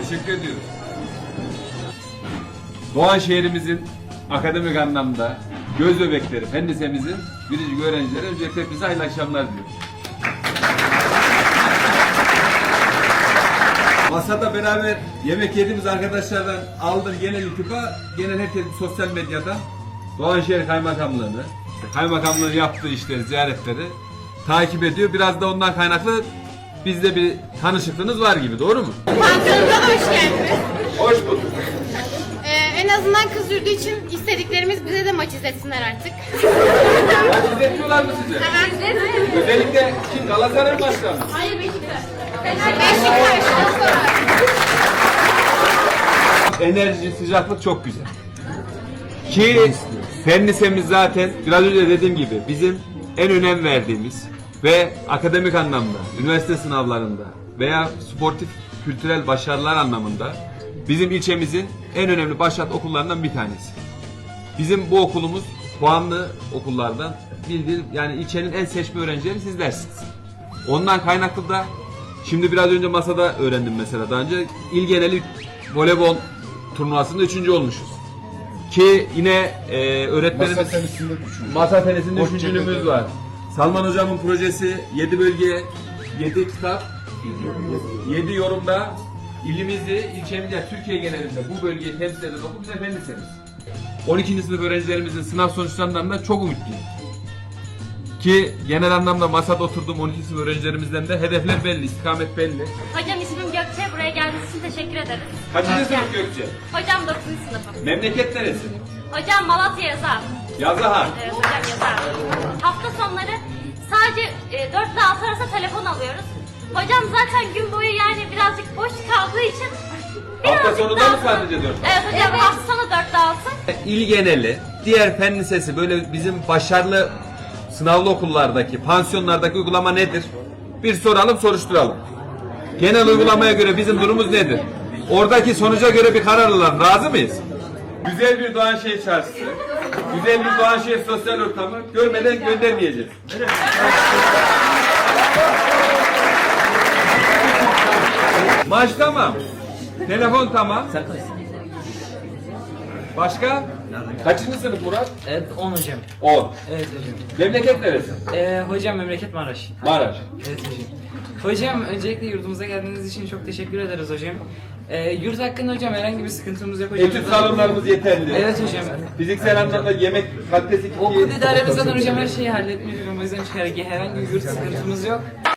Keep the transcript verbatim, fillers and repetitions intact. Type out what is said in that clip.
Teşekkür ediyoruz. Doğan şehrimizin akademik anlamda göz bebekleri, fen lisemizin biricik öğrencileri öncelikle hepinize hayırlı akşamlar diliyorum. Masada beraber yemek yediğimiz arkadaşlardan aldım genel iltifa, genel herkes sosyal medyadan Doğanşehir Kaymakamlığı'nı, Kaymakamlığı'nın yaptığı işleri, ziyaretleri takip ediyor. Biraz da ondan kaynaklı bizde bir tanışıklığınız var gibi, doğru mu? Pansiyonumuza da hoş geldiniz. Hoş bulduk. Ee, en azından kız yurdu için istediklerimiz bize de maç izletsinler artık. Maç izletiyorlar mı size? Evet. Özellikle kim? Galatasaray başkanı mı? Hayır, Beşiktaş. Beşiktaş. Enerji, sıcaklık çok güzel. Ki fen lisemiz zaten biraz önce dediğim gibi bizim en önem verdiğimiz ve akademik anlamda, üniversite sınavlarında veya sportif kültürel başarılar anlamında bizim ilçemizin en önemli başat okullarından bir tanesi. Bizim bu okulumuz puanlı okullardan bildiğin, yani ilçenin en seçme öğrencileri sizlersiniz. Ondan kaynaklı da şimdi biraz önce masada öğrendim mesela, daha önce il geneli voleybol turnuvasında üçüncü olmuşuz. Ki yine e, öğretmenimiz Masa tenisinde üçüncü. Masa tenisinde Boş üçüncülüğümüz çevrede. var. Salman hocamın projesi yedi bölge, yedi kitap, yedi yorumda ilimizi, ilçemizi, yani Türkiye genelinde bu bölgeyi temsil eden okul bize fen lisemiz. on ikinci sınıf öğrencilerimizin sınav sonuçlarından da çok umutluyum. Ki genel anlamda masada oturduğum on iki sınıf öğrencilerimizden de hedefler belli, istikamet belli. Hocam ismim Gökçe. Buraya geldiğiniz için teşekkür ederiz. Kaçıncı sınıf Gökçe? Hocam dokuzuncu sınıfım. Memleket neresi? Hocam Malatya Yazar. Yazıhan. Evet hocam Yazar. Hafta sonları sadece e, dört ile altı arası telefon alıyoruz. Hocam zaten gün boyu yani birazcık boş kaldığı için Hafta birazcık sonu da daha- mı sadece dört? Evet hocam hafta sonu dört ile altı. İl geneli, diğer fen lisesi böyle bizim başarılı sınavlı okullardaki, pansiyonlardaki uygulama nedir? Bir soralım, soruşturalım. Genel uygulamaya göre bizim durumumuz nedir? Oradaki sonuca göre bir karar alalım. Razı mıyız? Güzel bir Doğanşehir çarşısı, güzel bir Doğanşehir sosyal ortamı görmeden göndermeyeceğiz. Maç tamam. Telefon tamam. Başka? Kaçıncı sınıf Murat? Evet on hocam. on. Evet hocam. Memleket neresi? Ee, hocam memleket Maraş. Maraş. Evet hocam. Hocam öncelikle yurdumuza geldiğiniz için çok teşekkür ederiz hocam. Ee, yurt hakkında hocam herhangi bir sıkıntımız yok hocam. Etüt salonlarımız yeterli. Evet hocam. Fiziksel anlamda yemek kalitesi Okul idaremiz zaten hocam her şeyi halletmiş hocam. O yüzden herhangi bir yurt sıkıntımız yok.